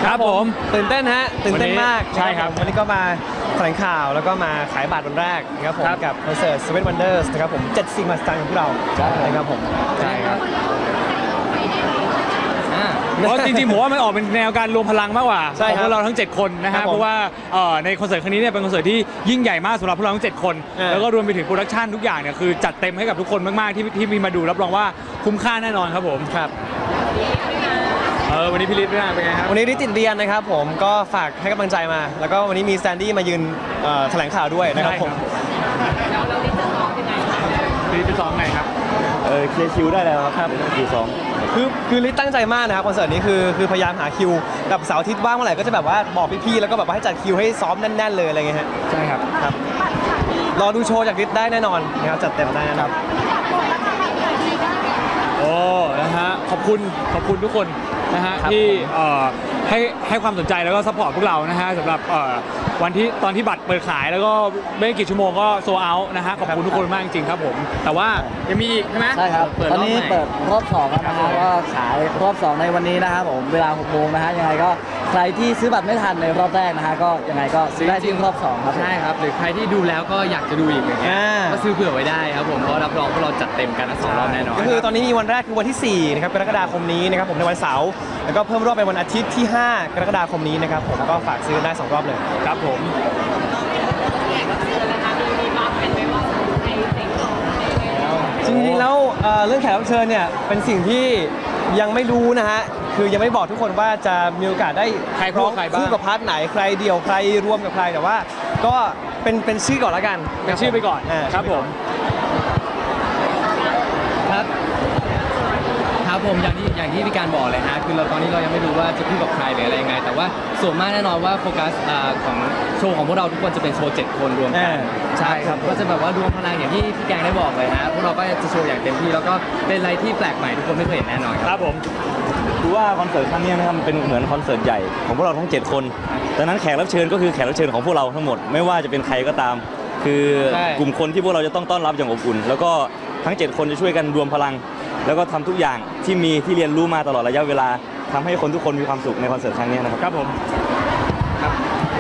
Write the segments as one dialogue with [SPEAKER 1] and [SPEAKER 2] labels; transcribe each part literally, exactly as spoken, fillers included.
[SPEAKER 1] ครับผม
[SPEAKER 2] ตื่นเต้นฮะตื่นเต้นมาก
[SPEAKER 1] ใช่ครับ
[SPEAKER 2] วันนี้ก็มาแถลงข่าวแล้วก็มาขายบัตรวันแรกนะครับผมกับคอนเสิร์ต เซเว่น Wonders นะครับผมเจ็ดสิ่งมหัศจรรย์ของพวกเรานะครับผม
[SPEAKER 1] ใช่ครับเพราะจริงๆผมว่ามันออกเป็นแนวการรวมพลังมากกว่าของพวกเราทั้งเจ็ดคนนะฮะเพราะว่าในคอนเสิร์ตครั้งนี้เนี่ยเป็นคอนเสิร์ตที่ยิ่งใหญ่มากสำหรับพวกเราทั้งเจ็ดคนแล้วก็รวมไปถึงโปรดักชันทุกอย่างเนี่ยคือจัดเต็มให้กับทุกคนมากๆที่ที่มีมาดูรับรองว่าคุ้มค่าแน่นอนครับผมครับเออวันนี้พี่ฤทธิ์เป็นไงครับ
[SPEAKER 2] วันนี้ฤทธิ์ติดเรียนนะครับผมก็ฝากให้กำลังใจมาแล้วก็วันนี้มีแซนดี้มายืนแถลงข่าวด้วยนะครับผม
[SPEAKER 3] แล้วเราฤทธิ์จะซ้อมยังไงครับ
[SPEAKER 1] ฤทธิ์จะซ้อมไงครับ
[SPEAKER 4] เออเคลียร์คิวได้แล้วครับคิวซ้อม
[SPEAKER 2] คือคือฤทธิ์ตั้งใจมากนะครับคอนเสิร์ตนี้คือคือพยายามหาคิวกับเสาร์อาทิตย์ว่างเมื่อไหร่ก็จะแบบว่าบอกพี่ๆแล้วก็แบบว่าให้จัดคิวให้ซ้อมแน่นๆเลยอะไรเงี้ยฮะ
[SPEAKER 1] ใช่ครับ
[SPEAKER 2] ครับรอดูโชว์จากฤทธิ์ได้แน่นอนนะครับจัดเต็มได้นะครับ
[SPEAKER 1] โอ้นะฮะขอบคุณขอบคุณทุกคนนะฮะที่ให้ให้ความสนใจแล้วก็ซัพพอร์ตพวกเรานะฮะสำหรับวันที่ตอนที่บัตรเปิดขายแล้วก็ไม่กี่ชั่วโมงก็โซเอาท์นะฮะขอบคุณทุกคนมากจริงๆครับผมแต่ว่ายังมีอีกใช่ไหม
[SPEAKER 5] ใช่ครับตอนนี้เปิดรอบสองแล้วนะฮะก็ขายรอบสองในวันนี้นะครับผมเวลาหกโมงนะฮะยังไงก็ใครที่ซื้อบัตรไม่ทันในรอบแรกนะฮะก็ยังไงก็ซื้อได้ที่รอบสองครับ
[SPEAKER 6] ใช่ครับหรือใครที่ดูแล้วก็อยากจะดูอีกอย่างเงี้ยก็ซื้อเผื่อไว้ได้ครับผมเพราะรับรองว่าเราจัดเต็มกันทั้งสองรอบแน่นอน
[SPEAKER 2] ก็คือตอนนี้มีวันแรกคือวันที่สี่นะครับกรกฎาคมนี้นะครับผมในวันเสาร์แล้วก็เพิ่มรอบเป็นวันอาทิตย์ที่ห้ากรกฎาคมนี้นะครับผมก็ฝากซื้อได้สองรอบเลย
[SPEAKER 1] ครับผม
[SPEAKER 2] จริงๆแล้วเรื่องแขกรับเชิญเนี่ยเป็นสิ่งที่ยังไม่รู้นะฮะคือยังไม่บอกทุกคนว่าจะมีโอกาสได้
[SPEAKER 1] ใครพร้อมใครบ้าง
[SPEAKER 2] คู่กับพาร์ทไหนใครเดี่ยวใครรวมกับใครแต่ว่าก็เป็นเป็นชื่อก่อนแล้วกัน
[SPEAKER 1] เป็นชื่อไปก่อนครับผม
[SPEAKER 6] ครับครับผมอย่างที่อย่างที่พี่การบอกเลยฮะคือเราตอนนี้เรายังไม่รู้ว่าจะพูดกับใครหรืออะไรยังไงแต่ว่าส่วนมากแน่นอนว่าโฟกัสของโชว์ของพวกเราทุกคนจะเป็นโชว์เจ็ดคนรวมกันใช่ครับก็จะแบบว่ารวมพลังอย่างที่พี่แกงได้บอกเลยฮะพวกเราก็จะโชว์อย่างเต็มที่แล้วก็เป็นอะไรที่แปลกใหม่ทุกคนไม่เคยเห็นแน่นอน
[SPEAKER 1] ครับผม
[SPEAKER 4] ดูว่าคอนเสิร์ตครั้งนี้นะครับเป็นเหมือนคอนเสิร์ตใหญ่ของพวกเราทั้งเจ็ดคนดังนั้นแขกรับเชิญก็คือแขกรับเชิญของพวกเราทั้งหมดไม่ว่าจะเป็นใครก็ตามคือกลุ่มคนที่พวกเราจะต้องต้อนรับอย่างอบอุ่นแล้วก็ทั้งเจ็ดคนจะช่วยกันรวมพลังแล้วก็ทำทุกอย่างที่มีที่เรียนรู้มาตลอดระยะเวลาทำให้คนทุกคนมีความสุขในคอนเสิร์ตครั้งนี้นะครับ
[SPEAKER 1] ครับผมครับ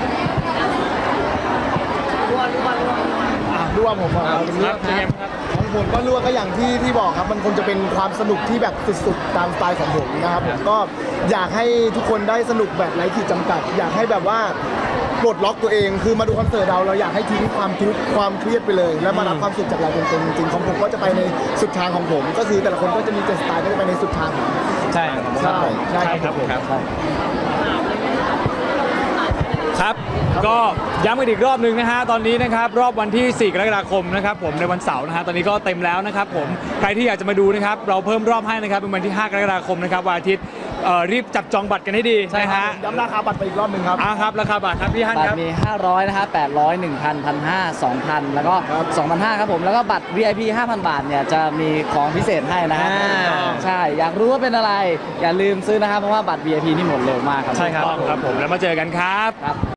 [SPEAKER 3] รัวรัวรัว
[SPEAKER 7] รัวผมครับของผมก็รัวก็อย่างที่ที่บอกครับมันคงจะเป็นความสนุกที่แบบสุดๆตามสไตล์ของผมนะครับผมก็อยากให้ทุกคนได้สนุกแบบไร้ขีดจำกัดอยากให้แบบว่าปลดล็อกตัวเองคือมาดูคอนเสิร์ตเราเราอยากให้ทิ้งความทุกข์ความเครียดไปเลยแล้วมารับความสุขจากเราเต็มๆจริงๆของผมก็จะไปในสุดทางของผมก็คือแต่ละคนก็จะมีสไตล์ก็จะไปในสุดทาง
[SPEAKER 2] ใช่
[SPEAKER 7] ใช่ใช่
[SPEAKER 1] ครับผมครับครับก็ย้ำกันอีกรอบหนึ่งนะฮะตอนนี้นะครับรอบวันที่สี่กรกฎาคมนะครับผมในวันเสาร์นะฮะตอนนี้ก็เต็มแล้วนะครับผมใครที่อยากจะมาดูนะครับเราเพิ่มรอบให้นะครับเป็นวันที่ห้ากรกฎาคมนะครับวันอาทิตย์รีบจับจองบัตรกันให้ดี
[SPEAKER 7] ใช่ฮะย้ำราคาบัตรไปอีกรอบหนึ่งครับ
[SPEAKER 1] อ่าครับราคาบัตรครับพี่ฮั่นครับ
[SPEAKER 5] บัตรมีห้าร้อยนะครับแปดร้อย หนึ่งพัน หนึ่งพันห้าร้อย สองพันแล้วก็ สองพันห้าร้อยครับผมแล้วก็บัตร วี ไอ พี ห้าพัน บาทเนี่ยจะมีของพิเศษให้นะฮะใช่อยากรู้ว่าเป็นอะไรอย่าลืมซื้อนะครับเพราะว่าบัตร วี ไอ พี นี่หมดเร็วมากครับ
[SPEAKER 1] ใช่ครับครับผมแล้วมาเจอกันครับ